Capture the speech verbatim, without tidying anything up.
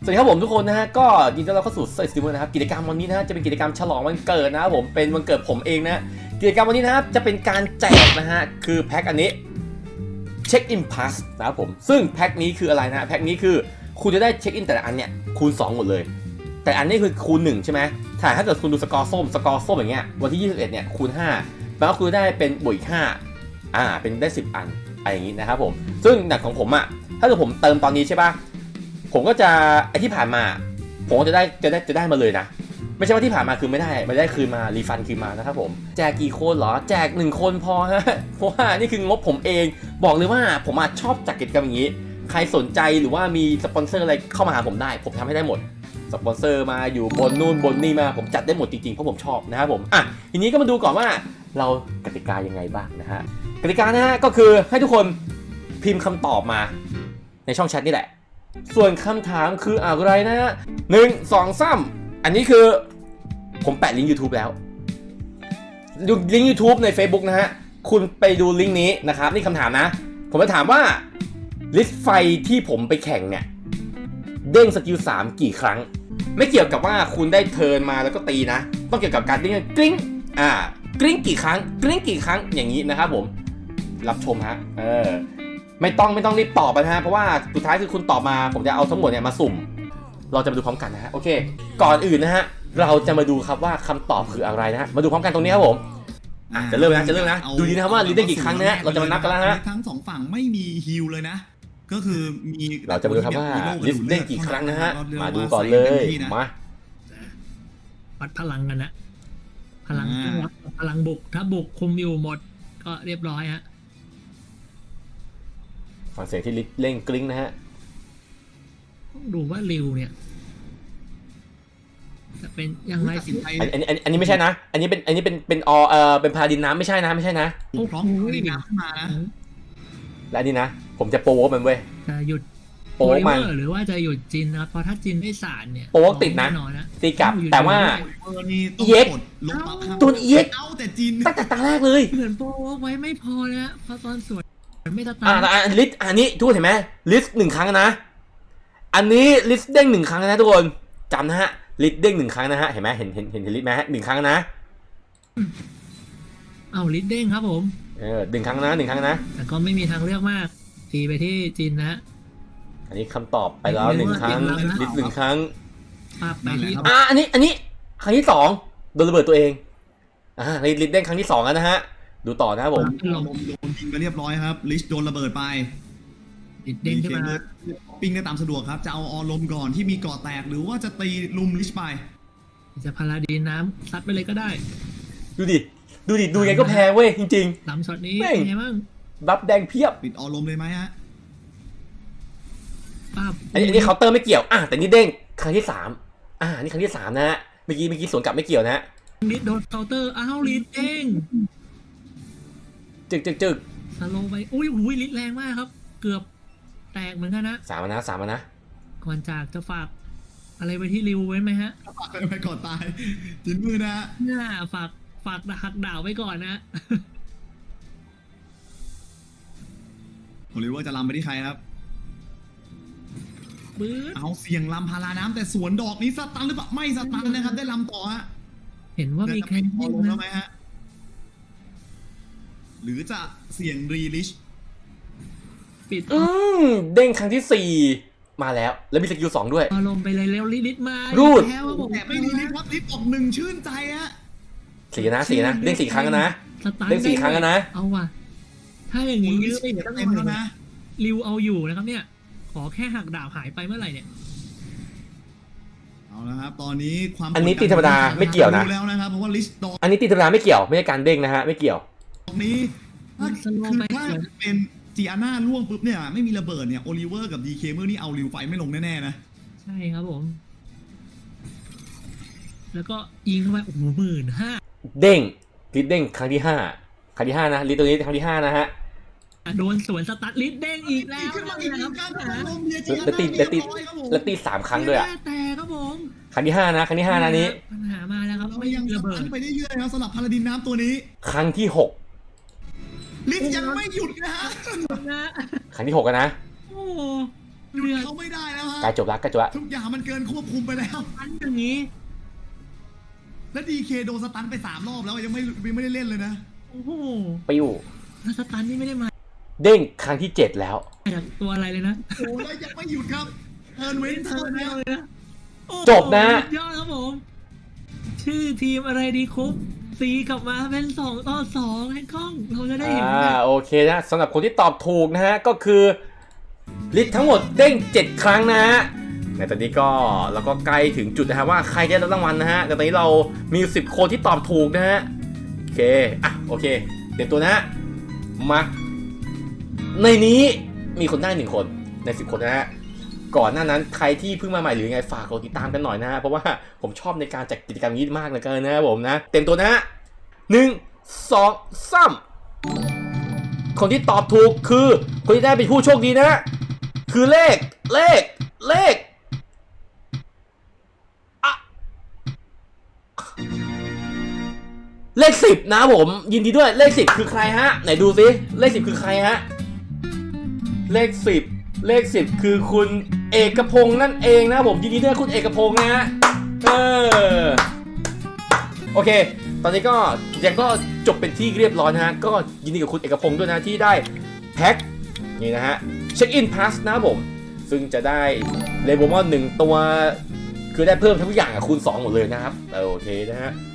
สวัสดีครับผมทุกคนนะฮะก็ยินดีต้อนรับเข้าสู่เซอร์สติมนะครับกิจกรรมวันนี้นะฮะจะเป็นกิจกรรมฉลองวันเกิดนะครับผมเป็นวันเกิดผมเองนะกิจกรรมวันนี้นะครับจะเป็นการแจกนะฮะคือแพ็คอันนี้เช็คอินพาสนะครับผมซึ่งแพ็คนี้คืออะไรนะแพ็คนี้คือคุณจะได้เช็คอินแต่ละอันเนี่ยคูณสองหมดเลยแต่อันนี้คือคูณหนึ่งใช่ไหมถ้าถ้าเกิดคุณดูสกอร์ส้มสกอร์ส้มอย่างเงี้ยวันที่ยี่สิบเอ็ดเนี่ยคูณห้าแปลว่าคุณได้เป็นบวกอีกห้าอ่าเป็นได้สิบอันอะไรอย่างงี้นะครับผมซึ่งหนักของผมอ่ะถ้าเกิดผมเติมตอนนี้ใช่ป่ะผมก็จะไอที่ผ่านมาผมก็จะได้จะได้จะได้มาเลยนะไม่ใช่ว่าที่ผ่านมาคือไม่ได้ไม่ได้คืนมารีฟันคืนมานะครับผมแจกกี่คนเหรอแจกหนึ่งคนพอฮะเพราะว่านี่คืองบผมเองบอกเลยว่าผมชอบจัดกิจกรรมอย่างนี้ใครสนใจหรือว่ามีสปอนเซอร์อะไรเข้ามาหาผมได้ผมทำให้ได้หมดสปอนเซอร์มาอยู่บนนู่นบนนี่มาผมจัดได้หมดจริงๆเพราะผมชอบนะครับผมอ่ะทีนี้ก็มาดูก่อนว่าเรากติกายังไงบ้างนะฮะกติกานะฮะก็คือให้ทุกคนพิมพ์คำตอบมาในช่องแชทนี่แหละส่วนคำถามคืออะไรนะฮะหนึ่งสองสามอันนี้คือผมแปะลิงก์ YouTube แล้วดูลิงก์ YouTube ใน Facebook นะฮะคุณไปดูลิงก์นี้นะครับนี่คำถามนะผมจะถามว่าลิสต์ไฟที่ผมไปแข่งเนี่ยเด้งสกิลสามกี่ครั้งไม่เกี่ยวกับว่าคุณได้เทิร์นมาแล้วก็ตีนะต้องเกี่ยวกับการเด้งกริ๊งอ่ากริ๊งกี่ครั้งกริ๊งกี่ครั้งอย่างนี้นะครับผมรับชมฮะเออไม่ต้องไม่ต้องรีบตอบนะฮะเพราะว่าสุดท้ายคือคุณตอบมาผมจะเอาทั้งหมดเนี่ยมาสุ่มเราจะมาดูพร้อมกันนะฮะโอเคก่อนอื่นนะฮะเราจะมาดูครับว่าคำตอบคืออะไรนะฮะมาดูพร้อมกันตรงนี้ครับผมอ่ะจะเริ่มนะจะเริ่มนะดูดีนะครับว่าลิสต์ได้กี่ครั้งนะฮะเราจะมานับกันแล้วฮะทั้งสองฝั่งไม่มีฮิลเลยนะก็คือมีเราจะมาดูครับว่าลิสต์ได้กี่ครั้งนะฮะมาดูก่อนเลยมาวัดพลังกันนะพลังพลังบุกถ้าบุกคุมอยู่หมดก็เรียบร้อยฮะฟังเสียงที่ลิสต์เร่งกริ๊งนะฮะต้องดูว่าริวเนี่ยจะเป็นยังไงสิอันนี้อันนี้ไม่ใช่นะอันนี้เป็นอันนี้เป็นเป็นอเออเป็นพาดินน้ำไม่ใช่นะไม่ใช่นะพร้อมพาดินน้ำขึ้นมานะและนี่นะผมจะโป๊มันเว้ยจะหยุดโป๊มันหรือว่าจะหยุดจินนะครับเพราะถ้าจินไม่สารเนี่ยโป๊ติดนะตีกลับแต่ว่าเอ็กตัวเอ็กแต่จินตั้งแต่ตาแรกเลยเหมือนโป๊ไว้ไม่พอนะเพราะตอนสวนไม่ตาอ่าลิสต์อันนี้ทุกคนเห็นไหมลิสต์หนึ่งครั้งนะอันนี้ลิสต์เด้งหนึ่งครั้งนะทุกคนจำนะฮะลิสต์เด้งหนึ่งครั้งนะฮะเห็นไหมเห็นเห็นเห็นลิสต์ไหมฮะหนึ่งครั้งนะเอาลิสต์เด้งครับผมเออหนึ่งครั้งนะหนึ่งครั้งนะแต่ก็ไม่มีทางเลือกมากตีไปที่จินนะอันนี้คำตอบไปแล้วหนึ่งครั้งลิสต์หนึ่งครั้งไปที่อ่าอันนี้อันนี้ครั้งที่สองโดนระเบิดตัวเองอ่าลิสต์เด้งครั้งที่สองแล้วนะฮะดูต่อนะครับผมลมโดนยิงไปเรียบร้อยครับลิสต์โดนระเบิดไปลิสต์เด้งขึ้นมาปิ้งได้ตามสะดวกครับจะเอาออลมก่อนที่มีเกาะแตกหรือว่าจะตีลุมลิสต์ไปจะพาราดีน้ำซัดไปเลยก็ได้ดูดิดูดิดูไงก็แพ้เว้ยจริงๆลำช็อตนี้เป็นไงบ้างบัฟแดงเพียบปิดออลมเลยไหมฮะอันนี้เคาน์เตอร์ไม่เกี่ยวอ่ะแต่นี่เด้งครั้งที่สามอ่านี่ครั้งที่สามนะฮะเมื่อกี้เมื่อกี้สวนกลับไม่เกี่ยวนะฮะลิสโดนเคาน์เตอร์อ้าวลิสเด้งจึกจึกจึกสโลไปอุ้ยอุ้ยลิสแรงมากครับเกือบแตกเหมือนกันนะสามนะสามนะก่อนจากจะฝากอะไรไปที่ริวไว้ไหมฮะฝากไปก่อนตายจินมือนะน่าฝากฝากหักดาวไว้ก่อนนะผมรู้ว่าจะลำไปที่ใครครับเอาเสียงลำพาราน้ำแต่สวนดอกนี้สตันหรือเปล่าไม่สตันนะครับได้ลำต่อฮะเห็นว่ามีใครลงแล้วไหมฮะหรือจะเสียงรีลิชปิดอืมเด้งครั้งที่สี่มาแล้วแล้วมีสกิลสองด้วยเอาลงไปเลยแล้วรีลิชมารูดแต่ไม่รีลิชครับลิชออกหนึ่งชื่นใจฮะสี่นะสี่นะเด้งสี่ครั้งนะเด้งสี่ครั้งนะเอาว่ะถ้าอย่างนี้ยื้อไปตั้งนานนะริวเอาอยู่นะครับเนี่ยขอแค่หักดาบหายไปเมื่อไหร่เนี่ยเอาละครับตอนนี้ความอันนี้ตีธรรมดาไม่เกี่ยวนะแล้วนะครับเพราะว่าลิสต์ดอกอันนี้ตีธรรมดาไม่เกี่ยวไม่ใช่การเด้งนะฮะไม่เกี่ยวตรงนี้ถ้าถ้าเป็นจีอาน่าล่วงปุ๊บเนี่ยไม่มีระเบิดเนี่ยโอลิเวอร์กับดีเคเมอร์นี่เอาริวไฟไม่ลงแน่ๆนะใช่ครับผมแล้วก็ยิงเข้าไปโอ้โหหมื่นห้าเด้งลิสเด้งครั้งที่ห้าครั้งที่ห้านะลิสตัวนี้ครั้งที่ห้านะฮะโดนสวนสตัดลิสเด้งอีกแล้วนะครับแล้วตีแล้วตีแล้วตีสามครั้งด้วยอ่ะแต่ครับผมครั้งที่ห้านะครั้งที่ห้านะนี้ปัญหามาแล้วครับไม่ยังระเบิดไปได้เยอะนะสำหรับพาราดินน้ำตัวนี้ครั้งที่หกลิสยังไม่หยุดนะฮะครั้งที่หกนะโอ้หยุดเขาไม่ได้แล้วฮะใกล้จบแล้วใกล้จบแล้วทุกอย่างมันเกินควบคุมไปแล้วอันอย่างนี้และดีเคโดนสตันไปสามรอบแล้วยังไม่ยังไม่ได้เล่นเลยนะโอ้โหปิ้วแล้วสตันนี่ไม่ได้มาเด้งครั้งที่เจ็ดแล้วจากตัวอะไรเลยนะโอ้แล้วยังไม่หยุดครับเทิร์นเว้นเธเทิอร์นแนเนี่ยวเลยนะโอ้โหจบนะสุดยอดครับผม ชื่อทีมอะไรดีคุปตีกลับมาเป็นสองต่อสองให้กล้องเราจะได้เห็นอ่ากันโอเคนะสำหรับคนที่ตอบถูกนะฮะก็คือลิสต์ทั้งหมดเด้งเจ็ดครั้งนะฮะในตอนนี้ก็เราก็ใกล้ถึงจุดนะฮะว่าใครจะได้รับรางวัลนะฮะแต่ตอนนี้เรามีสิบคนที่ตอบถูกนะฮะโอเคอ่ะโอเคเตรียมตัวนะฮะมาในนี้มีคนได้หนึ่งคนในสิบคนนะฮะก่อนหน้านั้นใครที่เพิ่งมาใหม่หรือไงฝากกดติดตามกันหน่อยนะฮะเพราะว่าผมชอบในการจัดกิจกรรมนี้มากเลยกันนะครับผมนะเต็มตัวนะฮะหนึ่งสองสามคนที่ตอบถูกคือคนที่ได้เป็นผู้โชคดีนะฮะคือเลขเลขเลขอะเลขสิบนะผมยินดีด้วยเลขสิบคือใครฮะไหนดูซิเลขสิบคือใครฮะเลขสิบเลขสิบคือคุณเอกพงษ์นั่นเองนะผมยินดีด้วยคุณเอกพงษ์นะฮะเออโอเคตอนนี้ก็ยังก็จบเป็นที่เรียบร้อยนะฮะก็ยินดีกับคุณเอกพงษ์ด้วยนะที่ได้แพ็คนี่นะฮะเช็คอินพาสนะผมซึ่งจะได้เลโบมอนหนึ่งตัวคือได้เพิ่มทุกอย่างอะคูณสองหมดเลยนะครับโอเคนะฮะ